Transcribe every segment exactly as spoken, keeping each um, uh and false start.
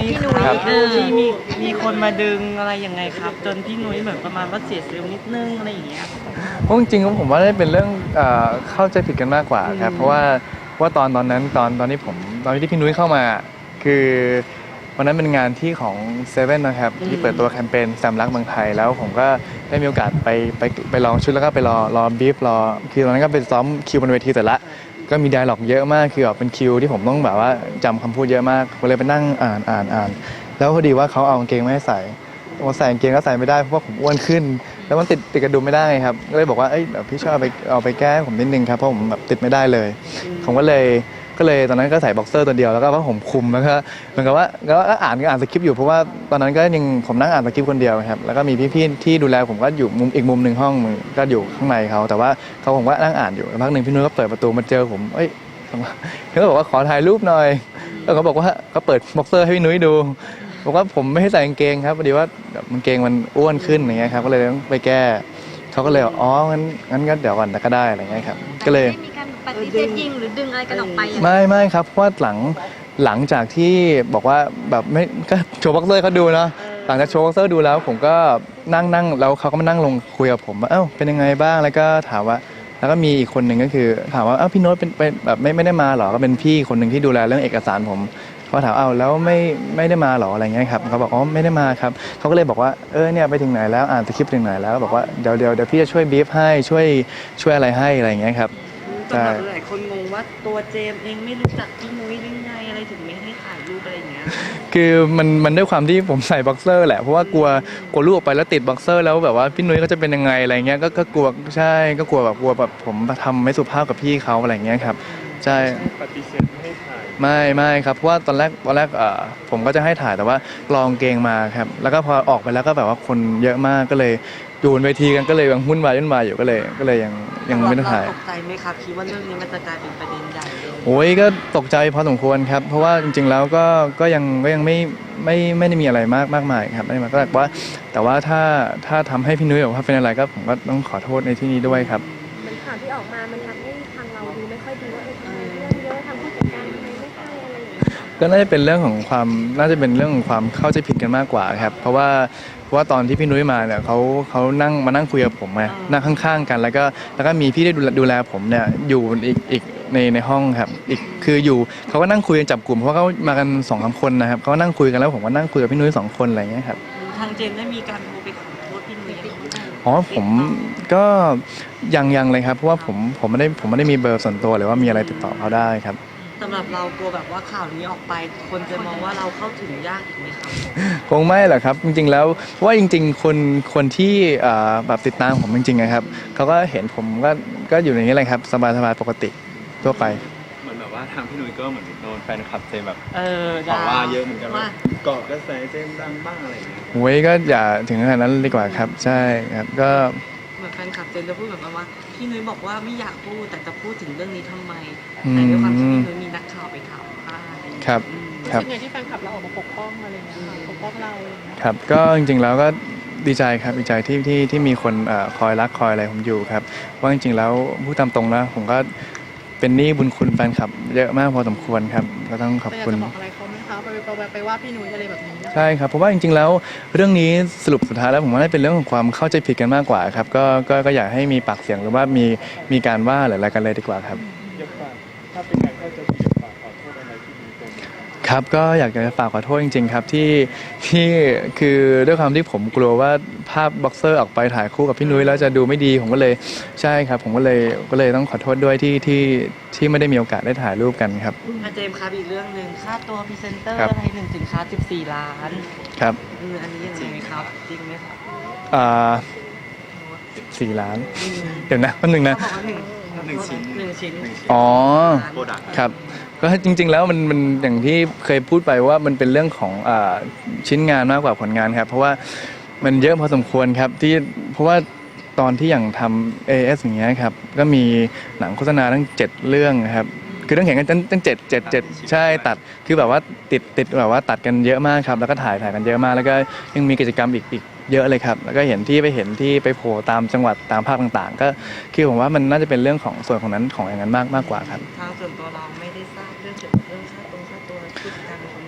พี่นุ้ยเออที่มีมีคนมาดึงอะไรยังไงครับ จนพี่นุ้ยเหมือนประมาณว่าเสียเซลล์นิดนึงอะไรอย่างเงี้ยเพราะจริงๆผมว่าได้เป็นเรื่องเอ่อเข้าใจผิดกันมากกว่าครับเพราะว่าว่าตอนตอนนั้นตอนตอนที่ผมตอนที่พี่นุ้ยเข้ามาคือวันนั้นเป็นงานที่ของเซเว่นนะครับที่เปิดตัวแคมเปญแซมรักเมืองไทยแล้วผมก็ได้มีโอกาสไปไปไปลองชุดแล้วก็ไปรอรอบีฟรอคือตอนนั้นก็ไปซ้อมคิวบนเวทีแต่ละก็มีไดอะล็อกเยอะมากคือแบบเป็นคิวที่ผมต้องแบบว่าจำคำพูดเยอะมากผมเลยไปนั่งอ่านอ่านอ่านแล้วพอดีว่าเขาเอากางเกงมาให้ใส่พอใส่กางเกงก็ใส่ไม่ได้เพราะว่าผมอ้วนขึ้น แล้วมันติดติดกระดุมไม่ได้ครับก็เลยบอกว่าเอ้ยเดี๋ยวพี่ช่วยเอาไปเอาไปแก้ให้ผมนิดนึงครับเพราะผมแบบติดไม่ได้เลยผมก็เลยก็เลยตอนนั้นก็ใส่บ็อกเซอร์ตัวเดียวแล้วก็ผ้าห่มคลุมแล้วก็เหมือนกับว่าก็อ่านก็อ่านสคริปต์อยู่เพราะว่าตอนนั้นก็ยังผมนั่งอ่านสคริปต์คนเดียวครับแล้วก็มีพี่ๆที่ดูแลผมก็อยู่มุมอีกมุมหนึ่งห้องก็อยู่ข้างในเขาแต่ว่าเขาผมก็นั่งอ่านอยู่พักหนึ่งพี่นุ้ยก็เปิดประตูมาเจอผมเอ้ยเขาก็บอกว่าขอถ่ายรูปหน่อยแล้วเขาบอกว่าเขาเปิดบ็อกเซอร์ให้พี่นุ้ยดูบอกว่าผมไม่ให้ใส่กางเกงครับพอดีว่ากางเกงมันอ้วนขึ้นอย่างเงี้ยครับก็เลยต้องไปแก้เขาก็เลยอ๋องั้นงั้นก็เดี๋ยวก่อนก็ได้อะไรเงี้ยครับก็เลยไม่มีการปฏิเสธยิงหรือดึงอะไรกันออกไปอย่างไม่ไม่ครับเพราะว่าหลังหลังจากที่บอกว่าแบบไม่ก็โชว์บ็อกเซอร์เขาดูเนาะหลังจากโชว์บ็อกเซอร์ดูแล้วผมก็นั่งนั่งแล้วเขาก็มานั่งลงคุยกับผมว่าเอ้าเป็นยังไงบ้างแล้วก็ถามว่าแล้วก็มีอีกคนหนึ่งก็คือถามว่าเอ้าพี่โน้ตเป็นเป็นแบบไม่ไม่ได้มาหรอก็เป็นพี่คนหนึ่งที่ดูแลเรื่องเอกสารผมเขาถามเอ้าแล้วไม่ไม่ได้มาหรออะไรเงี้ยครับเขาบอกอ๋อไม่ได้มาครับเขาก็เลยบอกว่าเออเนี่ยไปถึงไหนแล้วอ่านสคริปต์ถึงไหนแล้วบอกว่าเดี๋ยวเดี๋ยวเดี๋ยวพี่จะช่วยบีฟให้ช่วยช่วยอะไรให้อะไรเงี้ยครับสำหรับหลายคนงงว่าตัวเจมส์เองไม่รู้จักพี่นุ้ยหรือไงอะไรถึงไม่ให้ถ่ายรูปอะไรอย่างเงี้ยคือมันมันด้วยความที่ผมใส่บ็อกเซอร์แหละเพราะว่ากลัวกลัวลูกออกไปแล้วติดบ็อกเซอร์แล้วแบบว่าพี่นุ้ยเขาจะเป็นยังไงอะไรเงี้ยก็ก็กลัวใช่ก็กลัวแบบกลัวแบบผมทำไม่สุภาพกับพี่เขาอะไรเงี้ยครับใช่ปฏิเสธไม่ให้ถ่ายไม่ไม่ครับเพราะว่าตอนแรกตอนแรกเอ่อผมก็จะให้ถ่ายแต่ว่าลองเกงมาครับแล้วก็พอออกไปแล้วก็แบบว่าคนเยอะมากก็เลยอยู่บนเวทีกันก็เลยยังวุ่นวายวุ่นวายอยู่ก็เลยก็เลยยังยังไม่ได้ถ่ายตกใจไหมครับคิดว่าเรื่องนี้มันจะกลายเป็นประเด็นใหญ่เลยโอ้ยก็ตกใจพอสมควรครับเพราะว่าจริงๆแล้วก็ก็ยังก็ยังไม่ไม่ไม่ได้มีอะไรมากมากมายครับไม่ได้มาก็แต่ว่าแต่ว่าถ้าถ้าทำให้พี่นุ้ยบอกว่าเป็นอะไรก็ผมก็ต้องขอโทษในที่นี้ด้วยครับมันข่าวที่ออกมามันทำให้ทางเราดูไม่ค่อยดีว่าเออทำไมเรื่องเยอะทำผู้จัดการทำไมไม่ให้อะไรอย่างเงี้ยก็น่าจะเป็นเรื่องของความน่าจะเป็นเรื่องของความเข้าใจผิดกันมากกว่าครับเพราะว่าเพราะว่าตอนที่พี่นุ้ยมาเนี่ยเขาเขานั่งมานั่งคุยกับผมไงนั่งข้างๆกัน แล้วก็แล้วก็มีพี่ได้ดูแลดูแลผมเนี่ยอยู่อีกอีกในในห้องครับอีกคืออยู่เขาก็นั่งคุยกันจับกลุ่มเพราะว่าเขามากันสองสามคนนะครับเขาก็นั่งคุยกันแล้วผมก็นั่งคุยกับพี่นุ้ยสองคนอะไรอย่างเงี้ยครับทางเจมส์ได้มีการโทรไปขอโทษพี่นุ้ยยังไงอ๋อผมก็ยังยังเลยครับเพราะว่าผมผมไม่ได้ผมไม่ได้มีเบอร์ส่วนตัวหรือว่ามีอะไรติดต่อเขาได้ครับสำหรับเรากลัวแบบว่าข่าวนี้ออกไปคนจะมองว่าเราเข้าถึงยากอีกไหมครับคงไม่หรอกครับจริงๆแล้วเพราะว่าจริงๆคนคนที่แบบติดตามผมจริงๆนะครับเขาก็เห็นผมก็ก็อยู่ในนี้เลยครับสบายๆปกติทั่วไปเหมือนแบบว่าทางพี่นุ้ยก็เหมือนโดนแฟนคลับเจมแบบเออต่อว่าเยอะเหมือนกันว่าเกาะกระแสเจมดังบ้างอะไรอย่างเงี้ยโอ้ยก็อย่าถึงขนาดนั้นดีกว่าครับใช่ครับก็เหมือนแฟนคลับเจนจะพูดแบบว่าพี่นุ้ยบอกว่าไม่อยากพูดแต่จะพูดถึงเรื่องนี้ทำไมแต่ด้วยความที่พี่นุ้ยมีนักข่าวไปถามว่าครับครับเป็นไงที่แฟนคลับเราออกมาปกป้องอะไรเงี้ยปกป้องเราครับก็จริงๆแล้วก็ดีใจครับดีใจที่ที่ที่มีคนคอยรักคอยอะไรผมอยู่ครับเพราะจริงๆแล้วพูดตามตรงนะผมก็เป็นหนี้บุญคุณแฟนคลับเยอะมากพอสมควรครับก็ต้องขอบคุณจะบอกอะไรเขาไหมคะไปไปไปว่าพี่นุ้ยอะไรแบบนี้ใช่ครับเพราะว่าจริงๆแล้วเรื่องนี้สรุปสุดท้ายแล้วผมว่าเป็นเรื่องของความเข้าใจผิดกันมากกว่าครับก็ก็ก็อยากให้มีปากเสียงหรือว่ามีมีการว่าหรืออะไรกันเลยดีกว่าครับถ้าเป็นการเข้าใจผิดฝากขอโทษอะไรที่มีตรงครับก็อยากจะฝากขอโทษจริงๆครับที่ที่คือด้วยความที่ผมกลัวว่าภาพบ็อกเซอร์ออกไปถ่ายคู่กับพี่นุ้ยแล้วจะดูไม่ดีผมก็เลยใช่ครับผมก็เลยก็เลยต้องขอโทษด้วยที่ที่ที่ไม่ได้มีโอกาสได้ถ่ายรูปกันครับอาเจมส์ครับอีกเรื่องหนึ่งค่าตัวพรีเซนเตอร์อะไรหนึ่งสินค้าสิบสี่ล้านครับอันนี้ยังไงครับจริงไหมครับอ่าสี่ล้านเดี๋ยวนะแป๊บนึงนะหนึ่งชิ้นหนึ่งชิ้นอ๋อครับก็จริงๆแล้วมันมันอย่างที่เคยพูดไปว่ามันเป็นเรื่องของอ่าชิ้นงานมากกว่าผลงานครับเพราะว่ามันเยอะพอสมควรครับที่เพราะว่าตอนที่อย่างทำ เอ เอส อย่างเงี้ยครับก็มีหนังโฆษณาทั้งเจ็ดเรื่องครับคือต้องเห็นกันตั้งเจ็ดเจ็ดเจ็ดใช่ตัดคือแบบว่าติดติดแบบว่าตัดกันเยอะมากครับแล้วก็ถ่ายถ่ายกันเยอะมากแล้วก็ยังมีกิจกรรมอีกอีกเยอะเลยครับแล้วก็เห็นที่ไปเห็นที่ไปโผล่ตามจังหวัดตามภาคต่างๆก็คือผมว่ามันน่าจะเป็นเรื่องของส่วนของนั้นของอย่างนั้นมากมากกว่าครับทางส่วนตัวเราไม่ได้ทราบเรื่องเกี่ยวกับเรื่องค่าตรงค่าตัวผู้จัดการเป็นคนดูแล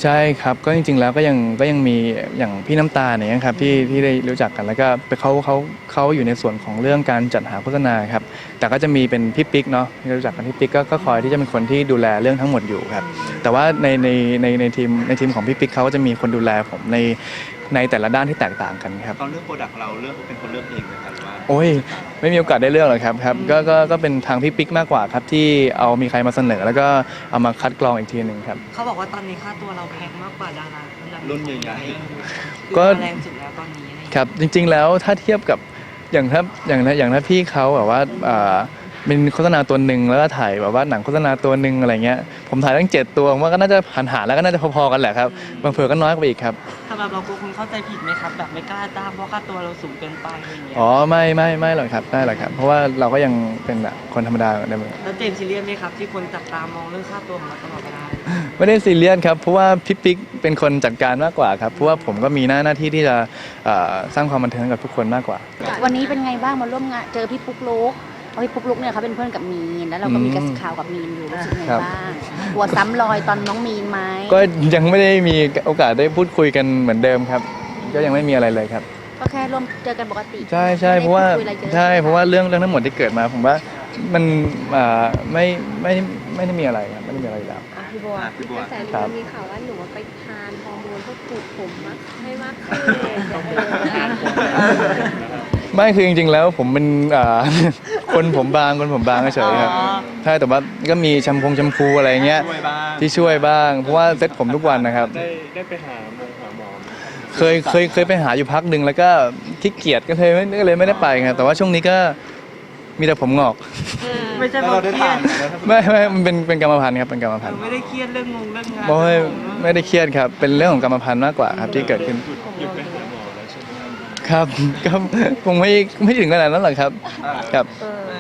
ใช่ครับก็จริงๆแล้วก็ยังก็ยังมีอย่างพี่น้ำตาลเนี่ยครับที่ที่ได้รู้จักกันแล้วก็เขาเขาเขาอยู่ในส่วนของเรื่องการจัดหาโฆษณาครับแต่ก็จะมีเป็นพี่ปิ๊กเนาะที่รู้จักกันพี่ปิ๊กก็ก็คอยที่จะเป็นคนที่ดูแลเรื่องทั้งหมดอยู่ครับแต่ว่าในในในในทีมในทีมของพี่ปิ๊กเขาก็จะมีคนดูแลผมในในแต่ละด้านที่แตกต่างกันครับตอนเลือกโปรดักต์เราเลือกเป็นคนเลือกเองนะครับว่าโอ้ยไม่มีโอกาสได้เลือกหรอกครับครับก็ก็ก็เป็นทางพี่ปิ๊กมากกว่าครับที่เอามีใครมาเสนอแล้วก็เอามาคัดกรองอีกทีหนึ่งครับเขาบอกว่าตอนนี้ค่าตัวเราแพงมากกว่าดาราคนดังรุ่นใหญ่ๆก็แรงสุดแล้วตอนนี้อะไรอย่างคเงี้ยรับจริงๆแล้วถ้าเทียบกับอย่างถ้าอย่างถ้าอย่างถ้าพี่เขาแบบว่าอ่าเป็นโฆษณาตัวหนึ่งแล้วก็ถ่ายแบบว่าหนังโฆษณาตัวหนึ่งอะไรเงี้ยผมถ่ายตั้งเจ็ดตัวผมว่าก็น่าจะหันหารแล้วก็น่าจะพอๆกันแหละครับบางเผื่อก็น้อยกว่าอีกครับสำหรับเรากลัวคุณเข้าใจผิดไหมครับแบบไม่กล้าจ้างเพราะค่าตัวเราสูงเกินไปอะไรอย่างเงี้ยอ๋อไม่ไม่ไม่หรอกครับไม่หรอกครับ เพราะว่าเราก็ยังเป็นแบบคนธรรมดาเหมือนเดิมแล้วเจมส์ซีเรียสไหมครับที่คนจับตามองเรื่องค่าตัวของเราตลอดเวลาไม่ได้ซีเรียสครับเพราะว่าพี่ปิ๊กเป็นคนจัดการมากกว่าครับเพราะว่าผมก็มีหน้าหน้าที่ที่จะเอ่อสร้างความบันเทิงให้กับทุกคนมากกว่าวันนี้เป็นไงบ้างมาร่วมงานเจอพี่ปุ๊กลุกเพราะพี่ปุ๊กลุกเนี่ยเขาเป็นเพื่อนกับมีนแล้วเราก็มีกระแสข่าวกับมีนอยู่รู้สึกไงครับบ้างกลัวซ้ำรอยตอนน้องมีนไหมก็ยังไม่ได้มีโอกาสได้พูดคุยกันเหมือนเดิมครับ ก็ยังไม่มีอะไรเลยครับก็แค่ร่วมเจอกันปกติใช่ใช่เพราะว่าไม่ได้พูดคุยอะไรเยอะใช่เพราะว่าเรื่องเรื่องทั้งหมดที่เกิดมา ผมว่ามันอ่าไม่ไม่ไม่ได้มีอะไรครับไม่ได้มีอะไรอยู่แล้วอ่ะพี่บัวอ่ะพี่บัวกระแสครับมีข่าวว่าหนูว่าไปทานฮอร์โมนเพื่อปลูกผมมากให้มากขึ้นเออไม่คือจริงๆแล้วผมเป็นอ่า คนผมบางคนผมบางเฉยๆครับอ๋อใช่แต่ว่าก็มีแชมพงแชมพูอะไรเงี้ยช่วยบ้างที่ช่วยบ้างเพราะว่าเซ็ตผมทุกวันนะครับได้ได้ไปหาหมอหาหมอไหมครับเคยเคยเคยไปหาอยู่พักหนึ่งแล้วก็ขี้เกียจก็เลยไม่ก็เลยไม่ได้ไปครับแต่ว่าช่วงนี้ก็มีแต่ผมงอกไม่ใช่แล้วเพราะเราได้เครีถาย มดแล้วถ้าไม่ไม่มันเป็นเป็นกรรมพันธุ์ครับเป็นกรรมพันธุ์ไม่ได้เครียดเรื่องงงเรื่องงานไม่ไม่ได้เครียดครับเป็นเรื่องของกรรมพันธุ์มากกว่าครับที่เกิดขึ้นหยุดหยุดไปหาหมอแล้วใช่ไหมครับครับ ก็คงไม่ไม่ถึงขนาดนั้นหรอกครับครับเออ